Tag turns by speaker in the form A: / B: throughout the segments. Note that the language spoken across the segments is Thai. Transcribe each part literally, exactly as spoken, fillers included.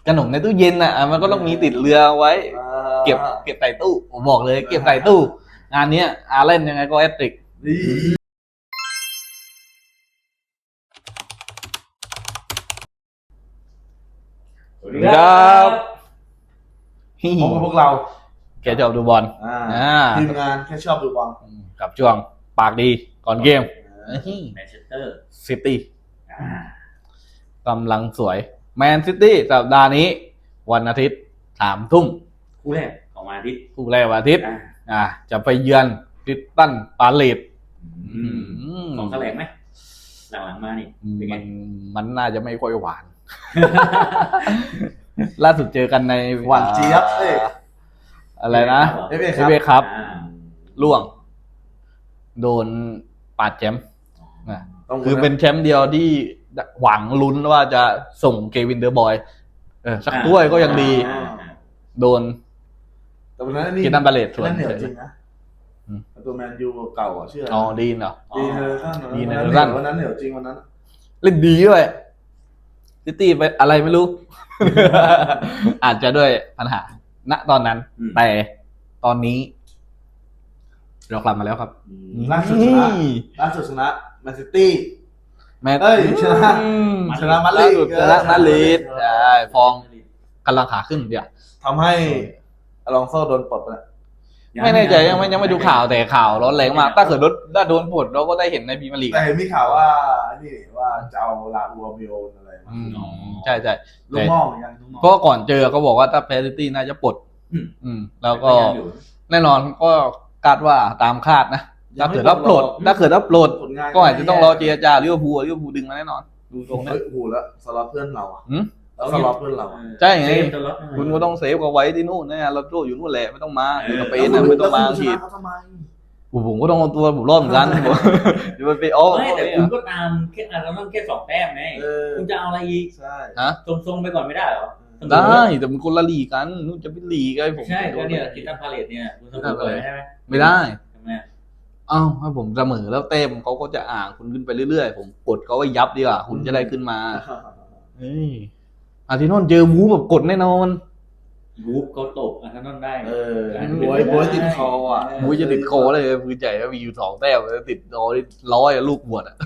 A: ขนมในตู้เย็นอ่ะมันก็ต้องมีติดเรือไว้เก็บเก็บใส่ตู้ผมบอกเลยเก็บใส่ตู้งานนี้อาเล่นยังไงก็แอตติก
B: สวัสดีครับพบกับพวกเรา
A: แกชอบดูบอล
B: ทีมงานแค่ชอบดูบอล
A: กับช่วงปากดีก่อนเกม
C: แมนเชสเตอร์
A: ซิตี้กำลังสวยแมนซิตี้สัปดาห์นี้วันอาทิตย์สามทุ่ม
C: คู่แรกของวันอาทิตย์
A: คู่แรกวันอาทิตย์อ่าจะไปเยือนคริสตัลพาเลซ
C: ของแถลงไหมหลังๆมานี่
A: มันมันน่าจะไม่ค่อยหวานล่าสุดเจอกันใน
B: หวานเจี๊ยบเอ้ย
A: อะไรนะ
B: เอฟเอ
A: ครับล่วงโดนปาดแชมป์คือเป็นแชมป์เดียวที่หวังลุ้นว่าจะส่งเกวินเดอร์บอยเออสักถ้วยก็ยังดีโดน
B: แต่วันนั้นนี่
A: กินน้ำบาเลตส่วน
B: เหนียวจริงนะตัวแมนยูเก่าอ่ะชื่อ
A: อ๋อดีนเหรอ
B: ดีเนอร์สั้นดีเนอร์สั้นวันนั้นเหนียวจริงวันนั้น
A: เล่นดีด้วยซิตี้ไปอะไรไม่รู้ อาจจะด้วยปัญหาณตอนนั้นแต่ตอนนี้เรากลับมาแล้วครับ
B: ล่าสุดชนะล่าสุดชนะแมนซิตี้แมนเอ้ยชนะชนะมาดริด
A: ชนะมาดริดใช่ฟองกำลังขาขึ้นเดี๋ยว
B: ทำให้อลองโซ่โดนปลดไป
A: ไม่แน่ใจยังไม่ยังไม่ดูข่าวแต่ข่าวร้อนแรงมากถ้าเกิดถ้าโดนปลดเราก็ได้เห็นในพรีเมียร์ลีก
B: แต่เห็นมีข่าวว่านี่ว่าจะเอาลาอูอามิโออะไร
A: ใช่ใช่
B: ลูกมองเหมือนกัน
A: ก็ก่อนเจอเขาบอกว่าถ้าแพ้ซิตี้น่าจะปลดอืมแล้วก็แน่นอนก็คาดว่าตามคาดนะถ้าเกิดรับปลดถ้าเกิดรับปลดก็อาจจะต้องรอเจรจาลิเวอร์พูลลิเวอร์พูลดึงมาแน่นอนดูตรงนี้
B: โอ้โหแล้วสล็อตเพื่อนเราอ่ะแล้วสล็อตเพื่อนเรา
A: ใช่ไงคุณก็ต้องเซฟเอาไว้ที่นู่นนะเราโตอยู่นู่นแหละไม่ต้องมาอยู่สเปนนะไม่ต้องมาผิดผมก็ต้องเอาตัวผมรอดเหมือนกันจะไป
C: อ้อไม่แต่คุณก็ตามแค่เราต้องแค่สองแต้มไงคุณจะเอาอะไรอีก
B: ใช่
A: ฮะ
C: ทรงๆไปก่อนไม่ได้หรอ
A: ได้แต่มันคนละลีกันนู่นจะเป็นลีกันผม
C: ใช่ก็เนี่ยคิดตั้งพาเลทเนี่ยคุณเสมอเลยใช่ไหม
A: ไม่ได้อ้าวถ้าผมเสมอแล้วเต็มเขาก็จะอ่างคุณขึ้นไปเรื่อยๆผมกดเขาไว้ยับดีกว่าคุณจะได้ขึ้นมาเฮ้ยอาร์เซนอลเจอวูฟแบบกดแน่นอน
C: วูฟเขาตกอาร์เซนอลได้
B: เออบวยบวยติดคออ่ะ
A: บวยจะติดคอเลยมือใหญ่มีอยู่สองแต้มติดร้อยร้อยลูกบวชอ่ะ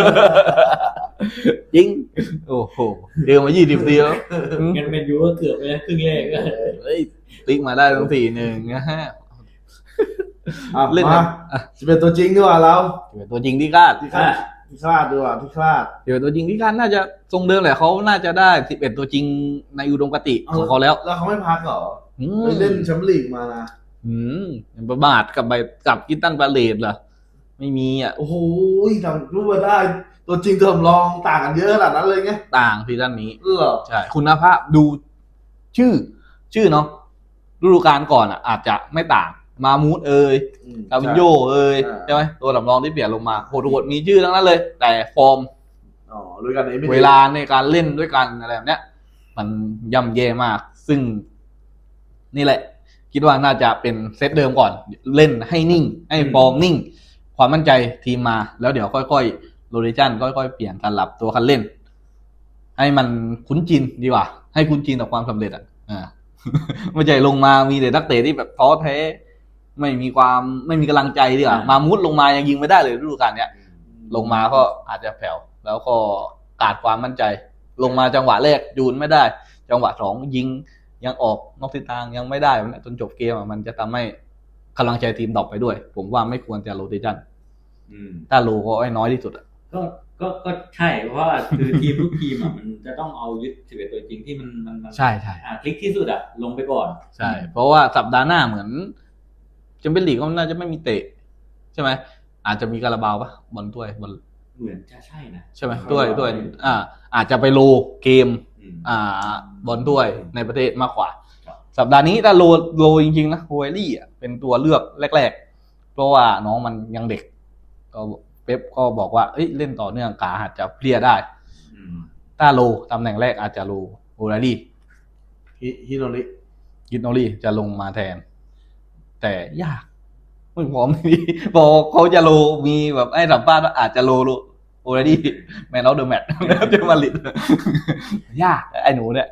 A: จริงโอ้โหเดียวมายี่สิบเดียว
C: งั้นเป็นยูก็เกือบไปแล้วครึ่งแรก
A: เฮ้ยติ๊กมาได้ตั้งสี่หนึ่งนะฮะ
B: เล่นมาจะเป็นตัวจริงดีกว่าเรา
A: เป็นตัวจริงที่คาด
B: ที่คาดที่คาดดีกว่าที่คาด
A: เดี๋ยวตัวจริงที่คาดน่าจะทรงเดิมแหละเขาน่าจะได้สิบเอ็ดตัวจริงในอุดมคติของเขาแล้ว
B: แล้วเขาไม่พักหรอเล่นแชมเปี้ยนลีกมานะ
A: อืมประมาทกับใบกับกิตตันพาเลซเหรอไม่มีอ่ะ
B: โอ้โหทำรู้มาได้ตัวจริงตัวสำรองต่างกันเยอะขนาดนั้นเลยไง
A: ต่างซีซั่นนี้
B: เหรอ
A: ใช่คุณภาพดูชื่อชื่อเนาะฤดูกาลก่อนอ่ะอาจจะไม่ต่างมามูดเอ่ยดาวินโยเอ่ยใช่ไหมตัวสำรองที่เปลี่ยนลงมาโหดโหดมีชื่อทั้งนั้นเลยแต่ฟอร์ม
B: อ๋อด้วยกัน
A: เวลาในการเล่นด้วยกันอะไรแบบเนี้ยมันย่ำแย่มากซึ่งนี่แหละคิดว่าน่าจะเป็นเซตเดิมก่อนเล่นให้นิ่งให้ฟอร์มนิ่งความมั่นใจทีมมาแล้วเดี๋ยวค่อยๆโรเทชั่นค่อยๆเปลี่ยนการหลับตัวคันเล่นให้มันคุ้นชินดีกว่าให้คุ้นชินกับความสำเร็จอ่ะอ่าไม่ใช่ลงมามีแต่นักเตะที่แบบท้อแท้ไม่มีความไม่มีกำลังใจดีกว่ามามุดลงมายังยิงไม่ได้เลยฤดูกาลเนี้ยลงมาก็อาจจะแผ่วแล้วก็ขาดความมั่นใจลงมาจังหวะแรกยูนไม่ได้จังหวะสองยิงยังออกนอกทิศทางยังไม่ได้จนจบเกมมันจะทำให้กำลังใจทีมดรอปไปด้วยผมว่าไม่ควรจะโรเทชั่นถ้าโลก็ไอ้น้อยที่สุดอ่ะ
C: ก็ก็ก็ใช่เพราะว่าคือทีมทุกทีมอ่ะมันจะต้องเอายึดสิบเอ็ดตัวจริงที่มันมัน
A: ใช่ใช่
C: อ่าคลิกที่สุดอ่ะลงไปก่อน
A: ใช่เพราะว่าสัปดาห์หน้าเหมือนแชมเปี้ยนลีกก็น่าจะไม่มีเตะใช่ไหมอาจจะมีคาราบาวปะบอลถ้วยบอล
C: เหมือนจะใช่นะ
A: ใช่ไหมถ้วยถ้วยอ่าอาจจะไปโลเกมอ่าบอลถ้วยในประเทศมากกว่าสัปดาห์นี้ถ้าโลโลจริงๆนะโฮเอลี่อ่ะเป็นตัวเลือกแรกๆเพราะว่าน้องมันยังเด็กก็เป๊ปก็บอกว่าเอ้ยเล่นต่อเนื่องขาอาจจะเพลียได้ถ้าโลตำแหน่งแรกอาจจะโลโฮเอลี่
B: ฮิโนริ
A: ฮิโนริจะลงมาแทนแต่ยากไม่พร้อมดีพอเขาจะโลมีแบบไอ้สัมภาษณ์ว่าอาจจะโลโลโอเรดี้แมนออฟเดอะแมตช์แล้วจะมาลิดยากไอ้หนูเนี่ย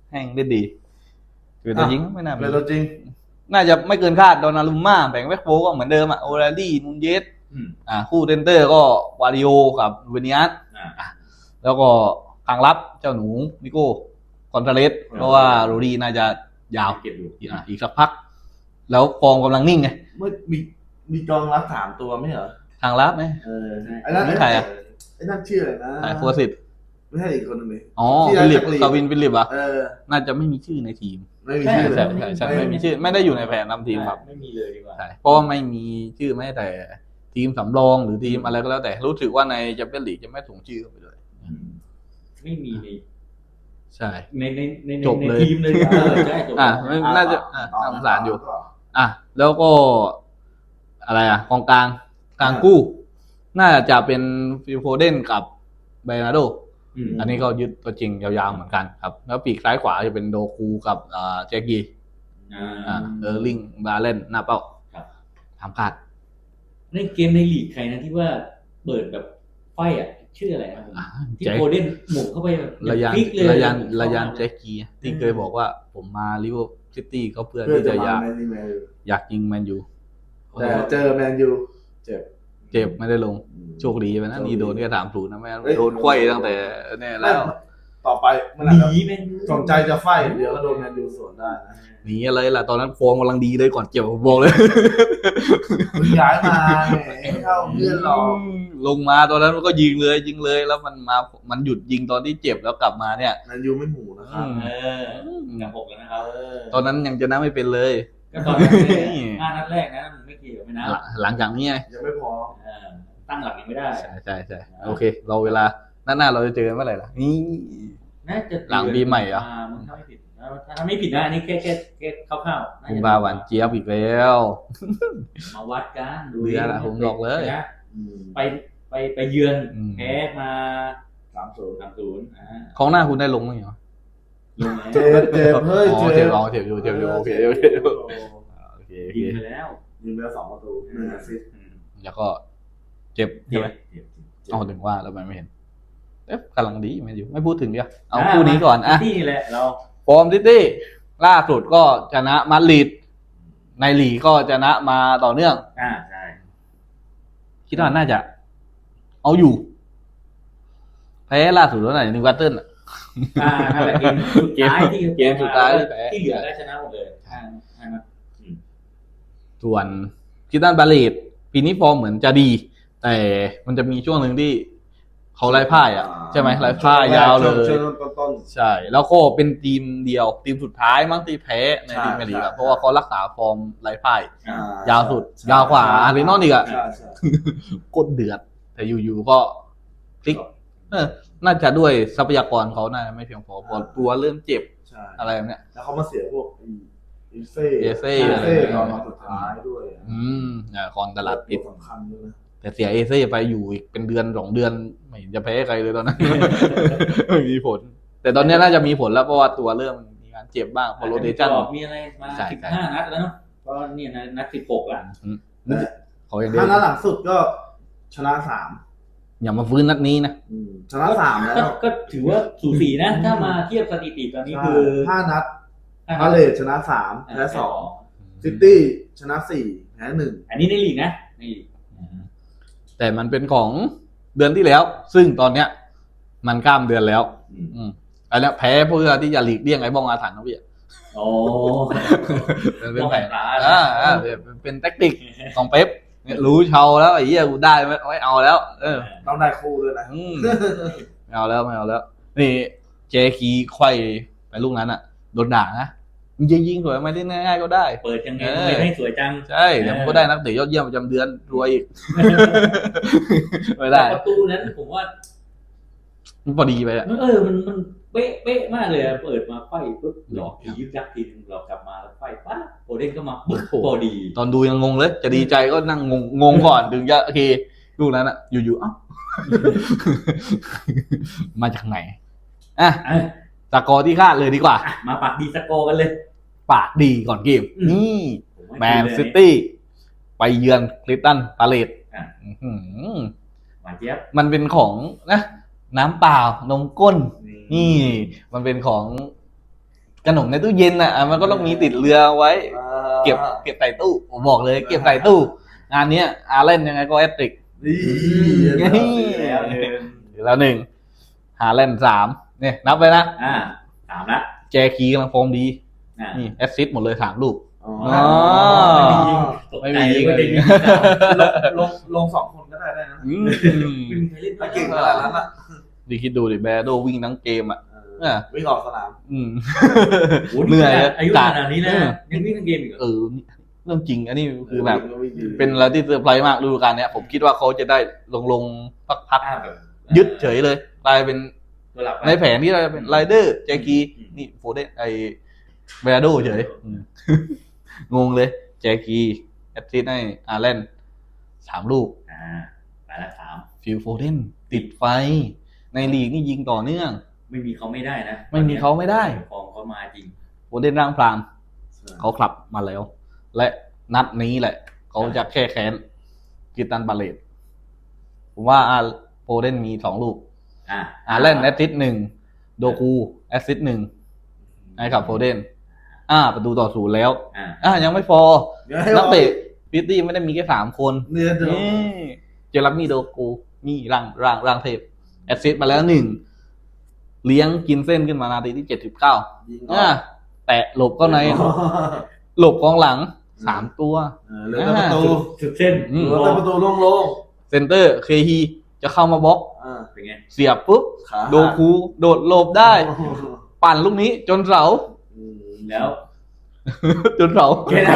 A: แห้งได้ดีคือตัวยิงไม่น่ามี
B: เป็นตัวจริง
A: น่าจะไม่เกินคาดโดนารุมม่าแบ่งแบ็คโฟก็เหมือนเดิมอะโอราลี่นูนเยส
C: อืม
A: อ่าคู่เซนเตอร์ก็วาริโอกับเวเนียส
C: อ่า
A: แล้วก็ทางรับเจ้าหนูนิโก้คอนเทเลสเพราะว่าโรดี้น่าจะยาว
C: เก็บอยู่
A: อ่ะอีกสักพัก แล้วฟอร์มกำลังนิ่งไง
B: เมื่อมีมีกองรับสามตัวไม่เหรอ
A: ทางรับไหม
B: เออไอ้นั่น
A: นี่ใครอะ
B: ไอ้นั่นชื่ออะไรนะ
A: ไอ้โฟสิต
B: ไม่ใช่อีกคนหนึงเลย
A: อ๋อ
B: ที่
A: ฟิลิป
B: จากลีก
A: กาวินฟิลิปอะ
B: เออ
A: น่าจะไม่มีชื่อในทีม
B: ไม่มี
A: ใช่
B: ชื่อ
A: ใช่ใช่ใช่ไม่มีชื่อ ไม่ได้อยู่ในแผนนำทีมครับ
C: ไม่มีเลยดีกว่า
A: ใช่เพราะว่าไม่มีชื่อแม้แต่ทีมสำรองหรือทีมอะไรก็แล้วแต่รู้สึกว่าในแชมเปี้ยนลีกจะไม่ส่งชื่อเข้าไปเลย
C: อืมไม่มีใน
A: ใช่
C: ในในใน
A: จบ
C: ใน
A: เลย
C: ทีมเลยเออใช่จบ
A: อ่ะ
C: เลย
A: ไม่น่าจะอ่ะน่าสงสารอยู่ อ่ะแล้วก็อะไรอ่ะกองกลางกลางกู้ น่าจะเป็นฟิลโฟเดนกับเบรนาโด
C: อืม
A: อันนี้ก็ยึดตัวจริงยาวๆเหมือนกันครับ แล้วปีกซ้ายขวาจะเป็นโดคูกับอ่าแจ็กกี้
C: อ่า
A: อ่าเออร์ลิงบาเลนหน้าเป้า
C: ครับ
A: ทำคาด
C: ในเกมในลีกใครนะที่ว่าเปิดแบบไฟอ่ะชื่ออะไรนะผม
A: อ่า
C: ที่
A: แจ็ค
C: โคเดนหมุนเข้าไปแบบ
A: ระยัน
C: พลิกเลย
A: ระยัน
C: ผมชอบ
A: ระยัน
C: มาก
A: แจ็กกี้ที่เคยบอกว่าผมมาลิเวอร์ซิตี้ก็เพื่อ
B: เพื่อ
A: ที่
B: จะ
A: จะอยาก
B: มาแมนยูแมนยู
A: อยากยิงแมนยู
B: แต่เจอแมนยูเจ็บ
A: เจ็บไม่ได้ลงโชคดีไปนะนี่โดนแค่สามศูนย์นะแม่งั้นโดนควยตั้งแต่เนี่ยแล้ว
B: ต่อไปมัน
C: ห
B: อาจจะ
C: นีแมนยู
B: สนใจจะไฟเดี๋ยวก็โดนแมนยูสวนได้นะ
A: หนีอะไรล่ะตอนนั้นฟอร์มกำลังดีเลยก่อนเจ็บผมบอกเลย
B: มึงย้ายมาแหมไม่เข้าเพื่อนหรอก
A: ลงมาตอนนั้นมันก็ยิงเลยยิงเลยแล้วมันมามันหยุดยิงตอนที่เจ็บแล้วกลับมาเนี่ย
B: แมนยูไม่หมูนะครับ
C: เออหนักหกแล้วนะครับ
B: เออ
A: ตอนนั้นยังจะนับไม่เป็นเลย
C: ก็ตอนนั้นเนี่ยห้านัดแรกนะมันไม่เกี่ยวไม่นะ
A: หลังหลังจากนี้ไง
B: ยังไม่พอ
C: เออตั้งหลักยังไม่ได้
A: ใช่ใช่ใช่โอเค เราเวลาหน้าหน้าเราจะเจอกันเมื่อไหร่ล่ะนี่
C: น่าจะ
A: หลังปีใหม่เหรอ
C: มึงถ้าไม่ผิดถ้าไม่ผิดนะอันนี้แค่แค่แค่คร่าวๆ
A: คุมบาหวานเจี๊ยบอีกแล้ว
C: มาวัดกันดู
A: เบื่อละผมบอกเลย
C: นะ
B: อืม
C: ไปไปไปเยือน
A: อืม
C: แพ้มา
B: สามศูนย์
C: สามศูนย์อ่า
A: ของหน้าคุณได้ลงมั้ยเหรอ
C: ลงแล้ว
B: เจ็บเจ็บเฮ้ย
A: อ๋อ
B: เจ็
A: เจ็
B: บบ
A: อ๋อเจ็บอยู่เจ็บอยู่โอเคโอเคโอเคโอเคโอเค
C: ยิงไปแล้ว
B: ยิงไปแล้วสองประตูหนึ่งแอสซิสต์
C: อืม
A: แล้วก็เจ็บ
C: เจ็
A: ใช่
C: บ
A: ไหม
C: เจ็บ
A: เอาถึงว่าแล้วมันไม่เห็นเอ๊ะกำลังดีไม่อยู่ไม่พูดถึงเดียวเอาคู่นี้ก่อนอ่ะ
C: ที่นี่แหละเรา
A: ฟอร์มซิตี้ล่าสุดก็ชนะมาดริดในลีกก็ชนะมาต่อเนื่อง
C: อ่าใช่
A: คิดว่าน่าจะ เอาอยู่ แพ้ล่าสุดแล้วไหนนิวคาสเซิลอะ
C: อ่านั่นแหละเกมสุดท้ายที่
A: เกมสุดท้ายที่แพ้
C: ที่เหลือได้ชนะหมดเลยห้าห้านัด
A: ส่วนคิตันบาเลตปีนี้ฟอร์มเหมือนจะดี แต่มันจะมีช่วงหนึ่งที่เขาไล่พ่ายอ่ะใช่ไหมไล่พ่ายยาวเลย
B: ช่วงต้น
A: ใช่ แล้วก็เป็นทีมเดียว ทีมสุดท้ายมั้งที่แพ้ใน
B: ใช่
A: ทีมเมลีก
B: ใช่
A: อะเพราะว่าเขารักษาฟอร์มไร้พ่าย
B: ๆอ่
A: ยาวสุดยาวกว่าอาร์เซนอลอีกอะ
B: ใช่ใช่
A: กดเดือด แต่อยู่ๆก็พลิกเออน่าจะด้วยทรัพยากรเขาน่าจะไม่เพียงพอพอตัวเริ่มเจ็บ
B: ใช่
A: อะไรแบบเนี้ย
B: แล้วเขามาเสียพวกอีอีเซ่
A: เอเซ่
B: เอเซ่
A: อะไร
B: ตอนมาสุดท้ายด้วย
A: อืมอ่าคอนตลาดปิด
B: สำคัญด้วยนะ
A: แต่เสียเอเซ่ไปอยู่อีกเป็นเดือนสองเดือนไม่เห็นจะแพ้ใครเลยตอนนั้น ไม่มีผล แต่ตอนนี้น่าจะมีผลแล้วเพราะว่าตัวเริ่มมีการเจ็บบ้างพอโรเตชัน
C: มีอะไรมา
A: ใช่
C: สิบ
A: ใช่
C: ห้านัดแล้วเนาะก็เนี่ยนะนัดสิบหกละ
B: แต่
A: เขาอย่างเดียว
B: ถ้านัดหลังสุดก็ชนะสาม
A: อย่ามาฟื้นนัดนี้นะ
B: อืมชนะสามแล้ว
C: ก็ก็ถือว่าสูสีนะ ถ้ามาเทียบสถิติตอนนี้คือ
B: ห้านัด
C: ห้า
B: พาเล
C: นัด
B: ทชนะสามแพ้สองซิตี้ชนะสี่แพ้หนึ่ง
C: อันนี้ในลีกนะในลีก
A: แต่มันเป็นของเดือนที่แล้ว ซึ่งตอนเนี้ย มันข้ามเดือนแล้ว อืมอันเนี้ยแพ้เพื่อที่จะหลีกเลี่ยงไอ้บ้องอาถรรพ์นะพี่
C: โอ้
A: มันเป็นแผน
C: บ้องอาถรรพ์
A: อ่าอ่าเป็นเป็นแทคติกของเป๊ปเนี่ยรู้เชาแล้วไอ้เหี้ยกูได้ไม่ไม่เอาแล้ว เออ
B: ต้องได้คู่ด้วยนะ
A: อืมไม่เอาแล้วไม่เอาแล้ว นี่เจคีไขว้ไปลูกนั้นอ่ะโดนด่านะมึงจะยิงสวยไหมาเล่นง่ายๆก็ได้
C: เปิดยังไง
A: เออ
C: ทำไมไม่สวยจัง
A: ใช่เดี๋ยวมันก็ได้นักเตะยอดเยี่ยมประจำเดือนรวยอีก ไม่ได้
C: แต่ประตูนั้นผมว่า
A: มันพอดีไปอ่ะ
C: มันเออมันมันเป๊ะเป๊ะมากเลยอะเปิดมาไฟปุ๊บหลอกทียึกยักทีนึงหลอกกลับมาแล้วไฟปั๊บโอเด้นก็มาปุ๊บพอดี
A: ตอนดูยังงงเลย จะดีใจก็นั่งงงงงก่อนถึงจะโอเคลูกนั้นอ่ะ อยู่ๆเอ้า มาจากไหนอ่ะ
C: อ่ะ
A: สกอร์ที่คาดเลยดีกว่า
C: มาปักดีสกอร์กันเลย
A: ปากดีก่อนเกม
C: อืม
A: นี่
C: ผมว่า
A: แมน
C: ดีเลย
A: ซิตี้ไปเยือนคริสตันพาเลต
C: อ่ะ
A: อื้อหือ
C: หวานเจี๊ยบ
A: มันเป็นของนะน้ำเปล่านมก้น นี่ มันเป็นของขนมในตู้เย็นอ่ะมันก็ต้องมีติดเรือไว้ เก็บเก็บใส่ตู้ผมบอกเลย เก็บใส่ตู้งานเนี้ยอาเล่นยังไงก็แอตติก
B: นี่
C: แล้วหนึ่ง
A: แล้วหนึ่งหาเล่นสามเนี่ยนับไปนะ
C: อ่าสามละ
A: แจคีกำลังฟอร์มดี
C: อ่า
A: นี่แอสซิสต์หมดเลยสามลูก
B: อ๋อ
A: ไม่มียิง
C: ไม่ได้ยิง
B: ลงลงสองคนก็ได้ได้นะ
A: อืม
C: ไม่มีใครเล่น
B: ถ้าเก่งขนาดนั้นอ่ะ
A: ดีคิดดูดิแบร์โดวิ่งทั้งเกมอ่ะ เออ
B: วิ่งออกสนาม
A: อืม
C: โอ้โห
A: เหนื่อย
C: อายุ
A: กะ
C: ขนาดนี้นะยังวิ่งทั้งเกมอีกเหรอ
A: เออเรื่องจริงอันนี้คือแบบ
B: วิ่งดี
A: เป็นอะไรที่เซอร์ไพรส์มากฤดูกาลเนี้ยผมคิดว่าเขาจะได้ลงลงพักพัก
C: อ่าแบบ
A: ๆยึดเฉยเลยกลายเป็น
C: ตัวหลักไป
A: ในแผนที่เราเป็นไรเดอร์แจกีนี่โฟเดนไอเบราโดเฉยอืม งงเลย แจกีแอตซิสให้อาร์แลนสามลูก
C: อ่าไปละสาม
A: ฟิลโฟเดนติดไฟ ในลีกนี่ยิงต่อเนื่อง
C: ไม่มีเขาไม่ได้นะ
A: ไม่มีเขาไม่ได้
C: ฟอร์มเขามาจริง
A: โฟเดนร่างพรามเขาขับมาแล้ว และนัดนี้แหละ เขาจะแค่แค้นกิตันบาเลตผมว่าอาร์โฟเดนมีสองลูก
C: อ่า
A: อาร์แลนแอสซิสหนึ่งโดคูแอสซิสหนึ่งให้กับโฟเดนอ่าประตูต่อศูนย์แล้ว
C: อ่า
A: อ่ายังไม่พอ นักเตะพิตตี้ไม่ได้มีแค่สามคน
B: เนื้อเดิม
A: นี่เจอรับมีโดกูนี่ร่างร่างร่างเทพแอสซิสมาแล้วหนึ่งเลี้ยงกินเส้นขึ้นมานาทีที่เจ็ดสิบเก้า
B: ยิง
A: อ่าแตะหลบก็ในหลบกองหลังสามตัว
B: เหลือแต่ประตู
C: สุดเส้น
A: อืม
B: เหลือแต่ประตูโล่ง
A: เซนเตอร์เคฮีจะเข้ามาบล็อก
B: ๆอ่า
C: เป็นไง
A: เสียบปุ๊บ
B: ขา
A: โดคูโดดหลบได้ ปั่นลูกนี้จนเสา
B: อืม
C: แล้ว
A: จนเสา
C: แค่นั้น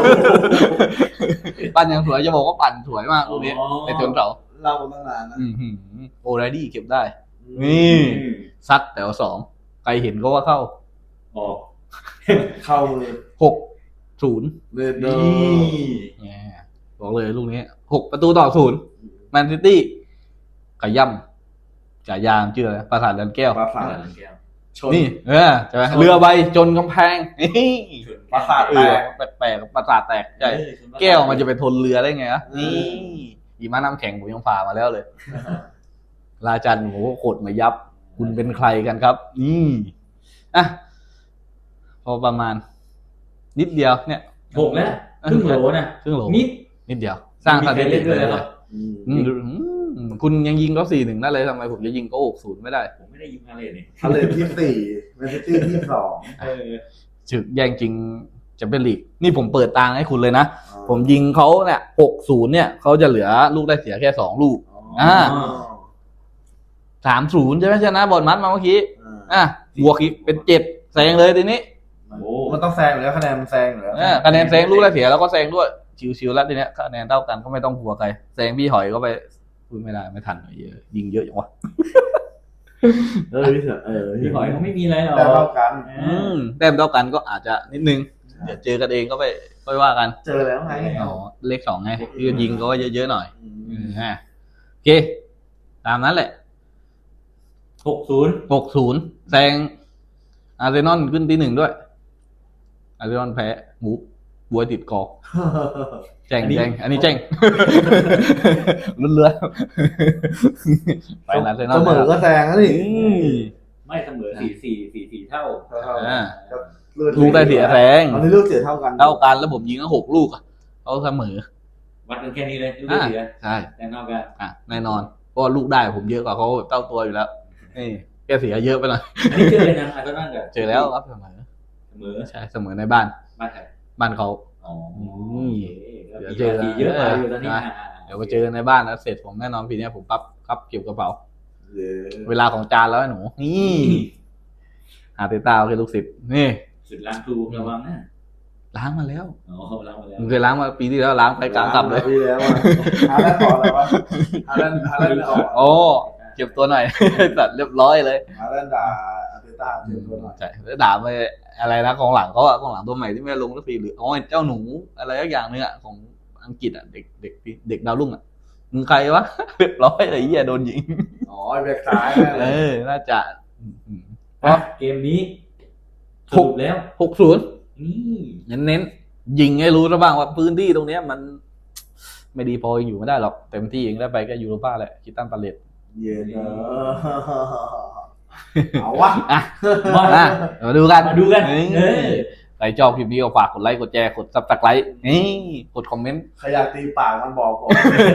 A: ปั่นอย่างสวยจะบอกว่าปั่นสวยมากลูกนี้
C: อ๋อ
A: แต่จนเสา
B: เล่ามาตั้งนานนะ
A: อืมหืมโอไรดี้เก็บได้ นี่ ซัดแต่ว่าสองใครเห็นก็ว่าเข้า
C: ออก
B: เข้ามือ
A: หกศูนย์
B: เลือดเดิ
C: นี่
B: ม
A: บอกเลยลูกนี้หกประตูต่อศูนย์แมนซิตี้ขย่ำฉายามชื่ออะไรปราสาทเรือนแก้ว
B: ปราสาท
C: แก้ว
B: ชน
A: นี่เออใช่ไหมเรือใบจนกำแพงนี่
B: ปราสาท
A: เอ
B: แต
A: อก แปลกๆปราสาทแตกใช่
C: เออชน
A: แก้วมันจะไปทนเรือได้ไงอะ
B: อืม
A: นี่อีมาน้ำแข็งผมยังฝ่ามาแล้วเลย ราจันโหโคตรมายับ คุณเป็นใครกันครับ นี่อ่ะพอประมาณ นิดเดียวเนี่ย
C: หกแล้วครึ่งโหลนะ
A: ครึ่งโหล
C: นิด
A: นิดเดียว สร้างสถิติ
C: มีใครเล่นด้วย
A: เลย
C: เหรอ
B: อืม
A: อืมอืมคุณยังยิงเขาสี่หนึ่งได้เลยทำไมผมจะยิงเขาหกศูนย์ไม่ได้
C: ผมไม่ได้ยิงพาเลทนี่
B: ทะเลที่สี่แมนซิตี้ที่สอง
C: เออ
A: จึกแย่งจริงจะเป็นลีก นี่ผมเปิดตางให้คุณเลยนะ ผมยิงเขาเนี่ยหกศูนย์เนี่ยเขาจะเหลือลูกได้เสียแค่สองลูก อ่า สามศูนย์ใช่ไหมชนะบอลมัดมาเมื่อกี้ อ่ะบวกอีกเป็นเจ็ดแซงเลยทีนี้
C: โอ้
B: มันต้องแซงอยู่แล้วคะแนนมันแซงอยู่แล้ว
A: เออคะแนนแซงลูกได้เสียแล้วก็แซงด้วย ชิวๆแล้วทีเนี้ยคะแนนเท่ากันก็ไม่ต้องกลัวใครแซงพี่หอยก็ไปพูดไม่ได้ไม่ทันหน่อยเยอะยิงเยอะจังวะ
B: เออพี่เถอะเออ
C: พี่หอยเขาไม่มีอะไรหรอก
B: แต่เท่ากัน
A: อืมแต้มเท่ากันก็อาจจะนิดนึงเดี๋ยวเจอกันเองก็ไปค่อยว่ากัน
B: เจอแล้วไง
A: อ๋อเลขสองไงที่ยิงก็เยอะๆหน่อย
B: อื
A: อื
B: ม
A: มฮะโอเค ตามนั้นแหละ
C: หกศูนย์
A: หกศูนย์แซงอาร์เซนอลขึ้นที่หนึ่งด้วย อาร์เซนอลแพ้หมูบวยติดกอกแจ้งแจ้งอันนี้แจ้ง ลุ้นเรือไปอาร์เซนอล
B: เสมอก็แซงแล้วนี่
A: อืม
C: ไม่เสมอสี่สี่สี่สี่เท่า
A: อ่า
B: เลือ
A: ลูกได้เสียแซง
B: ตอนนี้ลูกเสียเท่ากัน
A: เท่ากันแล้วผมยิงก็หกลูกอะเขาเสมอ
C: วัดกันแค่นี้เลยลูกได้เสีย
A: ใช่
C: แต่นอกกัน
A: อ่ะแน่นอนเพราะว่าลูกได้ผมเยอะกว่าเขาแบบเท่าตัวอยู่แล้วนี่แกเสียเยอะไปหน่อย
C: อันนี้เจอเลยนะอาร์เซนอลกับ
A: เจอแล้วครับเสมอ
C: เสมอ
A: ใช่เสมอในบ้าน
C: บ้านใคร
A: บ้านเขา
C: อ๋อ
A: ม
C: โอเค
A: เดี๋ยวเจอ
C: เยอะกว่าอยู่ตอนนี้
A: นะ เดี๋ยวไปเจอในบ้านแล้วเสร็จผมแน่นอนปีนี้ผมปั๊บครับเก็บกระเป๋า
B: เย้
A: เวลาของจานแล้วไอ้หนูนี่หาเตต้าคือลูกศิษย์นี่
C: สุดล้างครูระวังนะ
A: ล้างมาแล้ว
C: อ๋อล้างมาแล้ว
A: มึงเคยล้างมาปีที่แล้วล้างไปกลางกลับเลย
B: ปีแล้วอะฮาแลนด์ต่ออะไรวะฮาแลนด์ฮาแลนด์ออก
A: โอ้เก็บตัวหน่อย ตัดเรียบร้อยเลย
B: ฮาแลนด์ด่าอาร์เตต้าเจ็บตัวหน่อย
A: ใช่แล้วด่าไปอะไรนะกองหลังเขาอะกองหลังตัวใหม่ที่ไม่ลงสักทีหรืออ๋อเจ้าหนูอะไรสักอย่างนึงอะของอังกฤษอะเด็กเด็กเด็กดาวรุ่งอะมึงใครวะ เรียบร้อยเลยไอ้เหี้ยโดนยิง
B: อ๋อไอ้แบ็คซ้ายนั่นแห
A: เอ
B: ละ
A: อน่าจะอืม
C: อ่ะเกมนี้สรุปแล้ว
A: หกศูนย์
C: นี่
A: เน้นเน้นๆยิงให้รู้ซะบ้างว่าพื้นที่ตรงเนี้ยมัน ไม่ดีพออยู่ไม่ได้หรอกเต็มที่เองได้ไปก็ยูโรป้าแหละคิดตั้งปาเลต
B: เย็นเนอะเอาวะ
A: อ่ะ
C: มา
A: อ่ะมาดูกัน
C: มาดูกัน
A: เฮ้ย
C: เออ
A: ใครชอบคลิปนี้ก็ฝากกดไลค์กดแชร์กดซับสไครต์นี่กดคอมเมนต์
B: ใครอยากตีปากมันบอกผม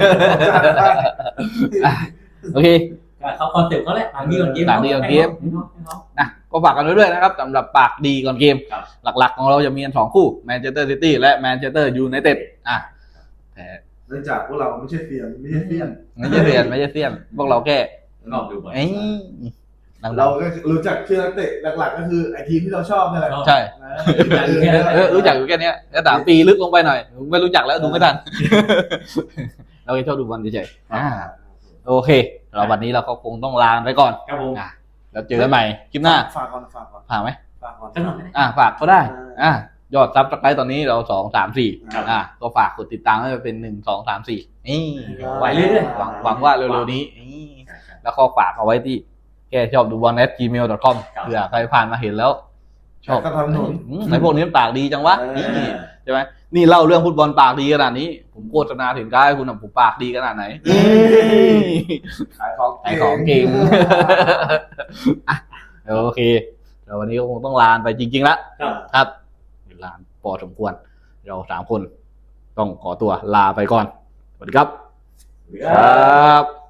A: โอเค
C: เขาคอนเซ็ปต์เขาแหละปากดีก่อนเกม
A: ปากดีก่อนเกม
C: ให้น้องให้น้อง
A: นะก็ฝากกันไว้ด้วยนะครับสำหรับปากดีก่อนเกม
C: ครับ
A: หลักๆของเราจะมีกันสองคู่แมนเชสเตอร์ซิตี้และแมนเชสเตอร์ยูไนเต็ดอ่ะแต่
B: เนื่องจากพวกเราไม่ใช่เสียนไม่ใช่เสียน
A: ไม่ใช่เซียนไม่ใช่เซียนพวกเราแค่
C: ลองดูก่อน
A: เอ้ยนัก
B: เราก็รู้จักชื่อนักเตะหลักๆก็คือไอทีมที่เราชอบนี่แหละ
A: ใช่
B: นะ
A: เออรู้จักอยู่แค่เนี้ยแล้วถามปีลึกลงไปหน่อยไม่รู้จักแล้วดูไม่ทัน เราแค่ชอบดูบอลเฉยๆอ่าโอเคเราวันนี้เราก็คงต้องลาไปก่อน
C: ครับผม
A: อ่ะแล้วเจอกันใหม่คลิปหน้า
B: ฝากก่อนฝากก่อน
A: ผ่านไหม
B: ฝากก่อน
C: สักหน่อยก็ได้
A: อ่ะฝากเขาได้อ่ะยอดซับสไครต์ตอนนี้เราสองสามสี่
B: ครับ
A: อ่ะก็ฝากกดติดตามให้เป็นหนึ่งสองสามสี่นี่
C: ไหวเรื่อยๆ
A: หวังหวังว่าเร็วๆนี้นี่แล้วก็ฝากเอาไว้ที่แกชอบดูบอล at gmail dot com
C: ครับ
A: เผื่อใครผ่านมาเห็นแล้ว ชอบ
B: ก็ทำหนุน
A: อืมไอพวกนี้มันปากดีจังวะ
B: เออ
A: นี่ใช่ไหมนี่เล่าเรื่องฟุตบอลปากดีขนาดนี้ ผมโฆษณาถึงกายคุณอะผมปากดีขนาดไหน
B: ขายของ
A: ขายของเก่ง อ่ะโอเคเดี๋ยววันนี้ก็คงต้องลาไปจริงๆแล้ว
C: ครับ
A: ครับเวลาพอสมควร เราสามคนต้องขอตัวลาไปก่อน สวัสดีครับ
C: ครับ
A: ครับ